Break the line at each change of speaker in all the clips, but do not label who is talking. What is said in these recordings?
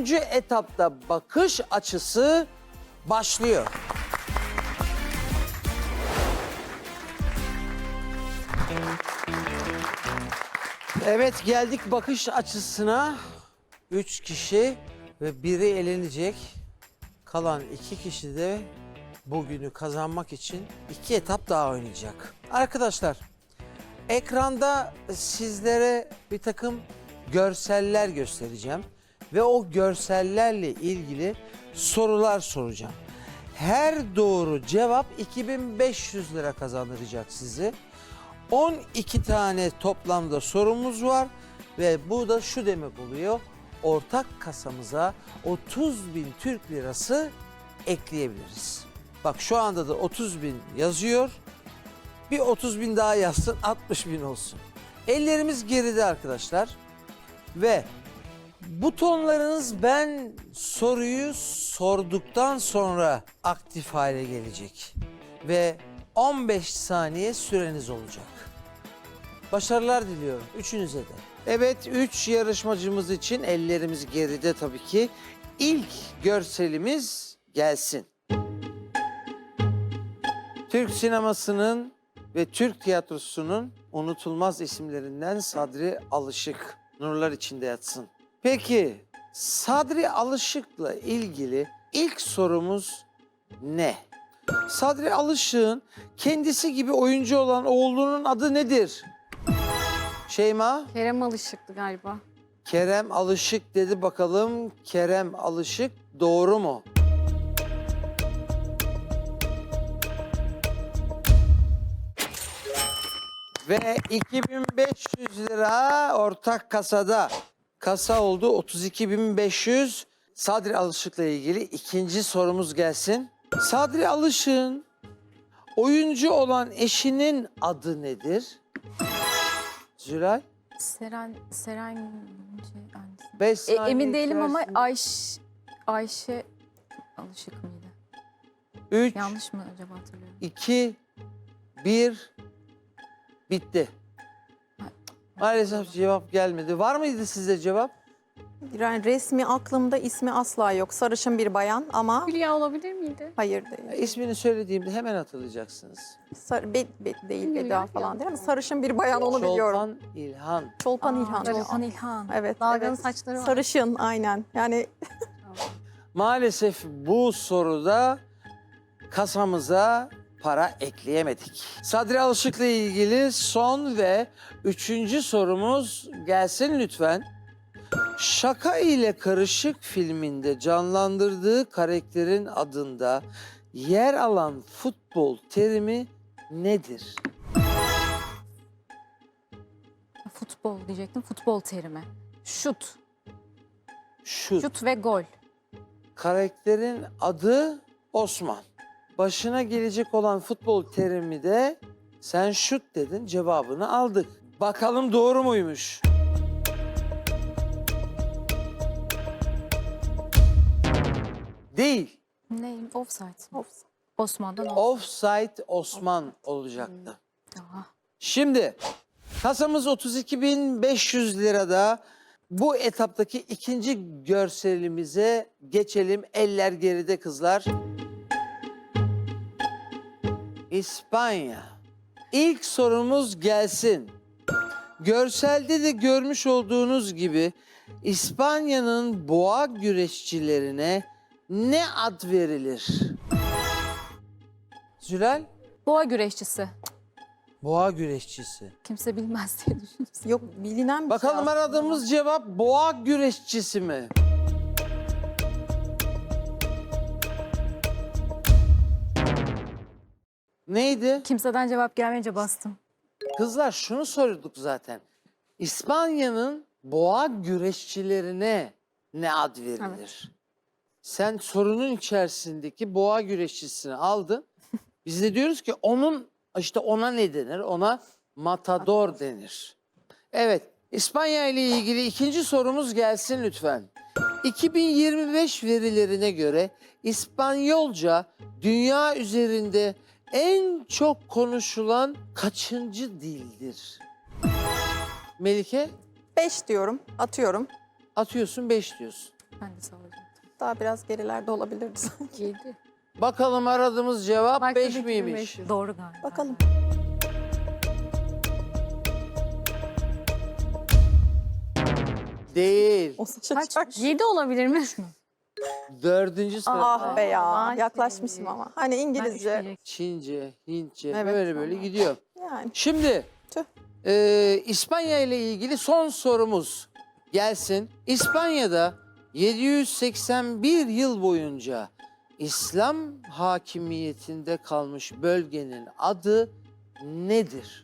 Üçüncü etapta bakış açısı başlıyor. Evet, geldik bakış açısına. 3 kişi ve biri elenecek. Kalan 2 kişi de bugünü kazanmak için 2 etap daha oynayacak. Arkadaşlar, ekranda sizlere bir takım görseller göstereceğim. Ve o görsellerle ilgili sorular soracağım. Her doğru cevap 2500 lira kazandıracak sizi. 12 tane toplamda sorumuz var ve bu da şu demek oluyor. Ortak kasamıza 30.000 Türk lirası ekleyebiliriz. Bak şu anda da 30.000 yazıyor. Bir 30.000 daha yazsın, 60.000 olsun. Ellerimiz geride arkadaşlar. Ve butonlarınız ben soruyu sorduktan sonra aktif hale gelecek. Ve 15 saniye süreniz olacak. Başarılar diliyorum üçünüze de. Evet, 3 yarışmacımız için ellerimiz geride tabii ki. İlk görselimiz gelsin. Türk sinemasının ve Türk tiyatrosunun unutulmaz isimlerinden Sadri Alışık. Nurlar içinde yatsın. Peki Sadri Alışık'la ilgili ilk sorumuz ne? Sadri Alışık'ın kendisi gibi oyuncu olan oğlunun adı nedir? Şeyma?
Kerem Alışık'tı galiba.
Kerem Alışık dedi bakalım. Kerem Alışık doğru mu? Ve 2500 lira ortak kasada. Kasa oldu 32.500. Sadri Alışık'la ilgili ikinci sorumuz gelsin. Sadri Alışık'ın oyuncu olan eşinin adı nedir? Zülal?
Seren annesi.
5 saniye
Emin değilim ama
içerisinde.
Ayşe Alışık mıydı?
3,
Yanlış mı acaba hatırlıyorum?
2, 1, bitti. Maalesef cevap gelmedi. Var mıydı sizde cevap?
Yani resmi aklımda, ismi asla yok. Sarışın bir bayan ama
Hülya olabilir miydi?
hayır değil.
İsmini söylediğimde hemen hatırlayacaksınız.
Değil,
Hülya
Eda falan değil ama sarışın bir bayan onu biliyorum.
Çolpan İlhan.
Çolpan İlhan.
Çolpan İlhan.
Evet.
Dalgalı
evet.
saçları var.
Sarışın aynen. Yani
Maalesef bu soruda kasamıza para ekleyemedik. Sadri Alışık'la ilgili son ve üçüncü sorumuz gelsin lütfen. Şaka ile Karışık filminde canlandırdığı karakterin adında yer alan futbol terimi nedir?
Futbol diyecektim. Futbol terimi. Şut.
Şut.
Şut ve gol.
Karakterin adı Osman. Başına gelecek olan futbol terimi de sen şut dedin, cevabını aldık. Bakalım doğru muymuş? Değil.
Neyim? Offside. Osman'dan
Offside Osman olacaktı.
Aha.
Şimdi kasamız 32.500 lirada. Bu etaptaki ikinci görselimize geçelim. Eller geride kızlar. İspanya. İlk sorumuz gelsin. Görselde de görmüş olduğunuz gibi İspanya'nın boğa güreşçilerine ne ad verilir? Zülal?
Boğa güreşçisi.
Boğa güreşçisi.
Kimse bilmez diye düşündüm.
yok bilinen bir
Bakalım
şey aslında.
aradığımız cevap boğa güreşçisi mi? Neydi?
Kimseden cevap gelmeyince bastım.
Kızlar şunu sorduk zaten. İspanya'nın boğa güreşçilerine ne ad verilir? Sen sorunun içerisindeki boğa güreşçisini aldın. Biz de diyoruz ki ona ne denir? Ona matador denir. Evet, İspanya ile ilgili ikinci sorumuz gelsin lütfen. 2025 verilerine göre İspanyolca dünya üzerinde en çok konuşulan kaçıncı dildir? Melike?
5 diyorum, atıyorum.
Atıyorsun 5 diyorsun.
Ben de sallayacaktım.
Daha biraz gerilerde olabilirdi sanki.
7.
Bakalım aradığımız cevap
Belki
5
de
miymiş?
2500. Doğru galiba.
Bakalım.
Değil.
O
Kaç?
şaşar.
7 olabilir mi?
Dördüncü soru.
Ah be ya.
Ay,
Yaklaşmışım ama. Hani
Ben
İngilizce.
üç
Çince, Hintçe
Evet,
böyle
tamam.
gidiyor.
Yani.
Şimdi
Tüh.
İspanya ile ilgili son sorumuz gelsin. İspanya'da 781 yıl boyunca İslam hakimiyetinde kalmış bölgenin adı nedir?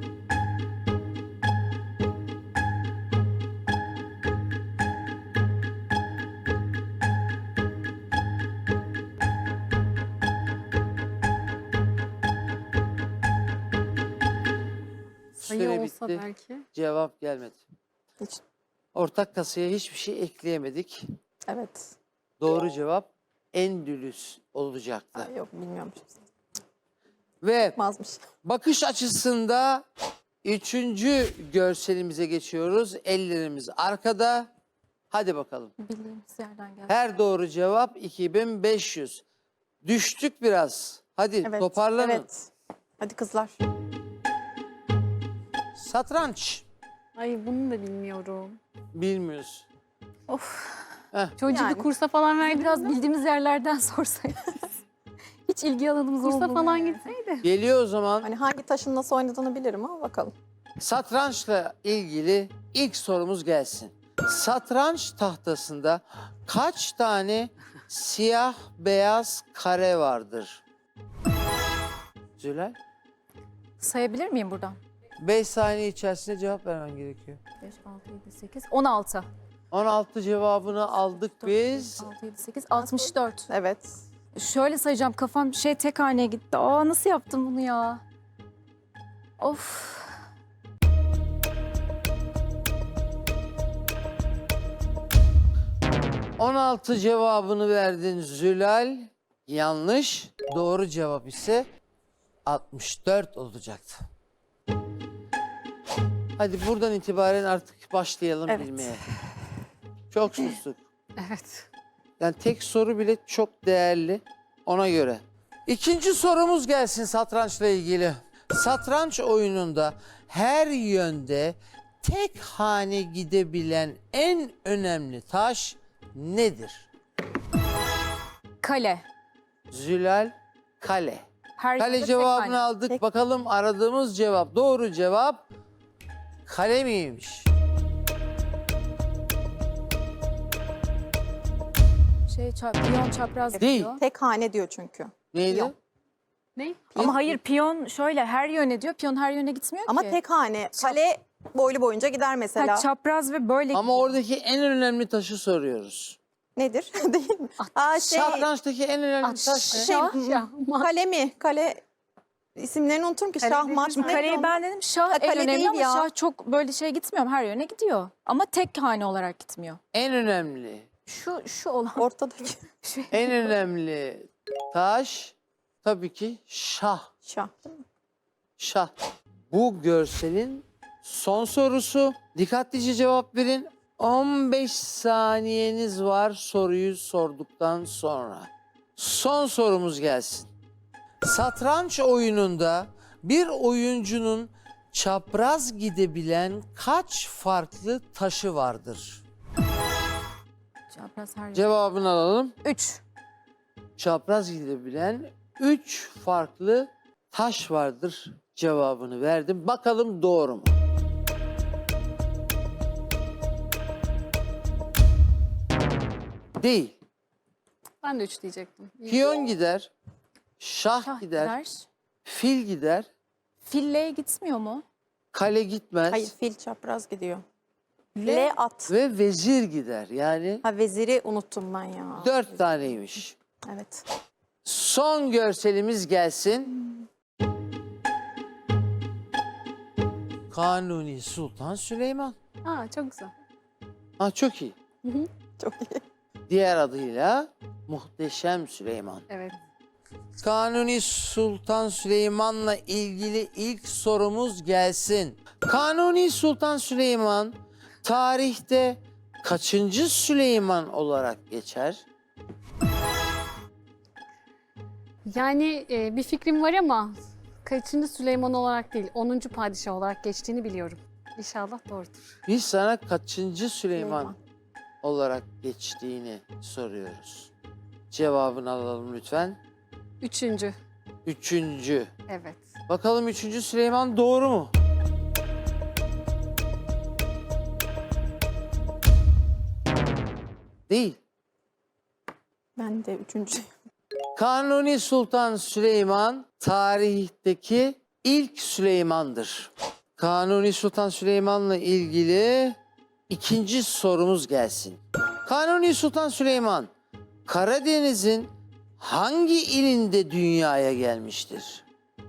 Sayı
Süre
olsa
bitti.
belki.
Cevap gelmedi.
Hiç.
Ortak kasaya hiçbir şey ekleyemedik.
Evet.
Doğru cevap Endülüs olacaktı.
Ay, yok bilmiyorum.
Ve
Çıkmazmış.
bakış açısında üçüncü görselimize geçiyoruz. Ellerimiz arkada. Hadi bakalım.
Bildiğimiz yerden geldi.
Her doğru cevap 2500. Düştük biraz. Hadi
Evet.
toparlanın.
Evet. Hadi kızlar.
Satranç.
Ay bunu da bilmiyorum.
Bilmiyoruz.
Çocuğu
Yani.
bir kursa falan verdi. Biraz bildiğimiz yerlerden sorsaydınız. Hiç ilgi alanımız kursa falan gitseydi.
Geliyor o zaman.
Hani hangi taşın nasıl oynadığını bilirim ama bakalım.
Satrançla ilgili ilk sorumuz gelsin. Satranç tahtasında kaç tane siyah beyaz kare vardır? Zülal,
Sayabilir miyim buradan?
5 saniye içerisinde cevap vermen gerekiyor.
5, 6, 7, 8, 16.
16 cevabını aldık biz.
6, 7, 8, 64.
Evet.
Şöyle sayacağım, kafam tek haneye gitti. Aa, nasıl yaptım bunu ya? Of.
— 16 cevabını verdin Zülal. Yanlış. Doğru cevap ise 64 olacaktı. Hadi buradan itibaren artık başlayalım
Evet.
bilmeye. Çok sustuk.
Evet.
Yani tek soru bile çok değerli ona göre. İkinci sorumuz gelsin satrançla ilgili. Satranç oyununda her yönde tek hane gidebilen en önemli taş nedir?
Kale.
Zülal, kale.
Her
Kale
yerde tek
cevabını
hane.
aldık.
Tek-
Bakalım aradığımız cevap. Doğru cevap kale miymiş?
Piyon çapraz
Değil.
gidiyor.
Tek hane diyor çünkü.
Neydi?
Yok.
Ne? Ama hayır, piyon şöyle her yöne diyor. Piyon her yöne gitmiyor
Ama
ki.
tek hane. Kale boylu boyunca gider mesela.
Çapraz ve böyle
Ama
gidiyor.
oradaki en önemli taşı soruyoruz.
Nedir? Değil mi? Aa,
Satrançtaki en önemli taş ne?
Kale mi? Kale isimlerini unuturum ki. Şah, maç.
Şimdi
ne
kareyi
diyor?
ben dedim, şah en
kale
önemli
değil
ama
ya.
şah çok böyle gitmiyor. Her yöne gidiyor. Ama tek hane olarak gitmiyor.
En önemli.
Şu olan.
Ortadaki
En önemli taş tabii ki şah.
şah değil mi?
Şah. Bu görselin son sorusu. Dikkatlice cevap verin. 15 saniyeniz var soruyu sorduktan sonra. Son sorumuz gelsin. Satranç oyununda bir oyuncunun çapraz gidebilen kaç farklı taşı vardır?
Çapraz her yöne.
Cevabını alalım.
3.
Çapraz gidebilen 3 farklı taş vardır cevabını verdim. Bakalım doğru mu? Değil.
Ben de 3 diyecektim.
Piyon gider, şah gider, fil gider,
Fille gitmiyor mu?
kale gitmez
Hayır, fil çapraz gidiyor. L at.
ve vezir gider. Yani
Ha, veziri unuttum ben ya.
4 taneymiş.
Evet.
Son görselimiz gelsin. Kanuni Sultan Süleyman.
Aa, çok güzel.
Ha, çok iyi.
Çok iyi.
Diğer adıyla Muhteşem Süleyman.
Evet.
Kanuni Sultan Süleyman'la ilgili ilk sorumuz gelsin. Kanuni Sultan Süleyman tarihte kaçıncı Süleyman olarak geçer?
Yani bir fikrim var ama kaçıncı Süleyman olarak değil, 10. padişah olarak geçtiğini biliyorum. İnşallah doğrudur.
Biz sana kaçıncı Süleyman olarak geçtiğini soruyoruz. Cevabını alalım lütfen.
3.
Üçüncü.
Evet.
Bakalım 3. Süleyman doğru mu? Değil.
Ben de 3.
Kanuni Sultan Süleyman tarihteki ilk Süleyman'dır. Kanuni Sultan Süleyman'la ilgili ikinci sorumuz gelsin. Kanuni Sultan Süleyman Karadeniz'in hangi ilinde dünyaya gelmiştir?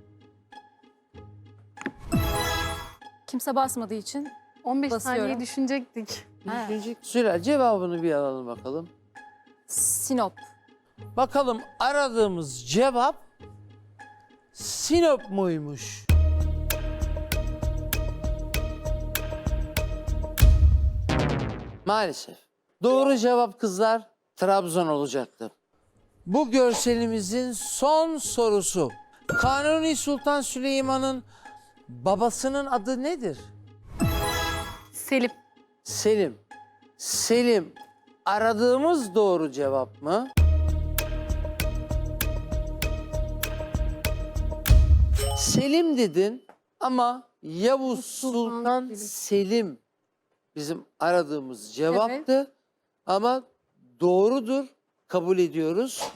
Kimse basmadığı için
15
Basıyorum.
saniye düşünecektik.
Ha.
Zülal, cevabını bir alalım bakalım.
Sinop.
Bakalım aradığımız cevap Sinop muymuş? Maalesef. Doğru cevap kızlar Trabzon olacaktı. Bu görselimizin son sorusu. Kanuni Sultan Süleyman'ın babasının adı nedir?
Selim.
Selim. Selim aradığımız doğru cevap mı? Selim dedin ama Yavuz Sultan Selim bizim aradığımız cevaptı. Ama doğrudur, kabul ediyoruz.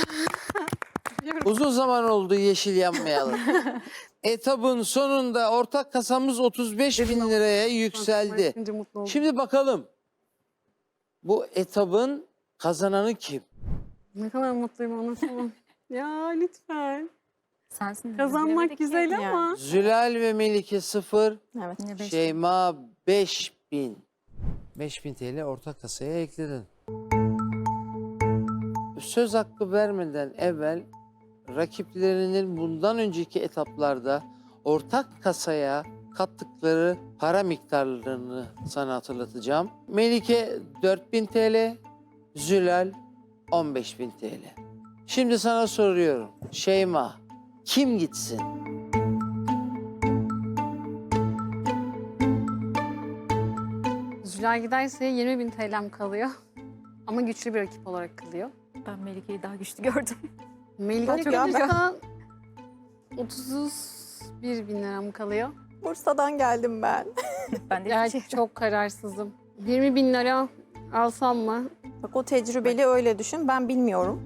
Uzun zaman oldu yeşil yanmayalım. Etabın sonunda ortak kasamız 35.000 liraya yükseldi.
Şimdi mutlu oldum.
Şimdi bakalım bu etabın kazananı kim?
Ne kadar mutluyum anlatamam. Ya lütfen.
Sensin.
Kazanmak güzel
yani.
ama.
Zülal ve Melike 0,
Evet.
Yine beş.
Şeyma 5.000. 5.000 TL ortak kasaya ekledin. Söz hakkı vermeden evvel rakiplerinin bundan önceki etaplarda ortak kasaya kattıkları para miktarlarını sana hatırlatacağım. Melike 4.000 TL, Zülal 15.000 TL. Şimdi sana soruyorum. Şeyma, kim gitsin?
Zülal giderse 20.000 TL'm kalıyor. Ama güçlü bir rakip olarak kalıyor.
Ben Melike'yi daha güçlü gördüm.
Melike
Çok ya,
kalırsa 31.000 liram kalıyor.
Bursa'dan geldim ben.
Ben de
Yani çok kararsızım. 20.000 lira alsam mı?
Bak o tecrübeli öyle düşün. Ben bilmiyorum.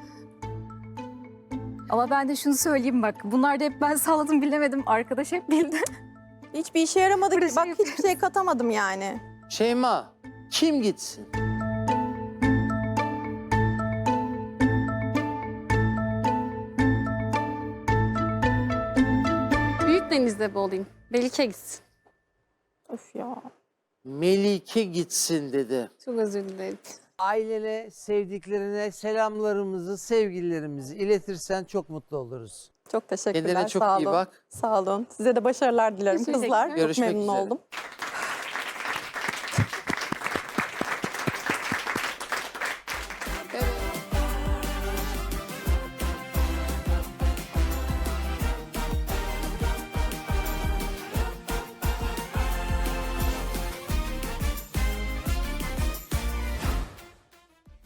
Ama ben de şunu söyleyeyim bak. Bunlar da hep ben salladım bilemedim. Arkadaş hep bildi.
Hiçbir işe yaramadı
Burada
ki.
şey
Bak hiçbir şey katamadım yani.
Şeyma, kim gitsin?
Büyük denizde mi olayım? Melike gitsin.
Of ya.
Melike gitsin dedi.
Çok özür dilerim.
Ailene, sevdiklerine selamlarımızı, sevgilerimizi iletirsen çok mutlu oluruz.
Çok teşekkürler.
Kendine çok
Sağ
iyi
olun.
bak.
Sağ olun. Size de başarılar dilerim
Teşekkür
kızlar.
ederim.
Görüşmek
çok memnun
üzere.
oldum.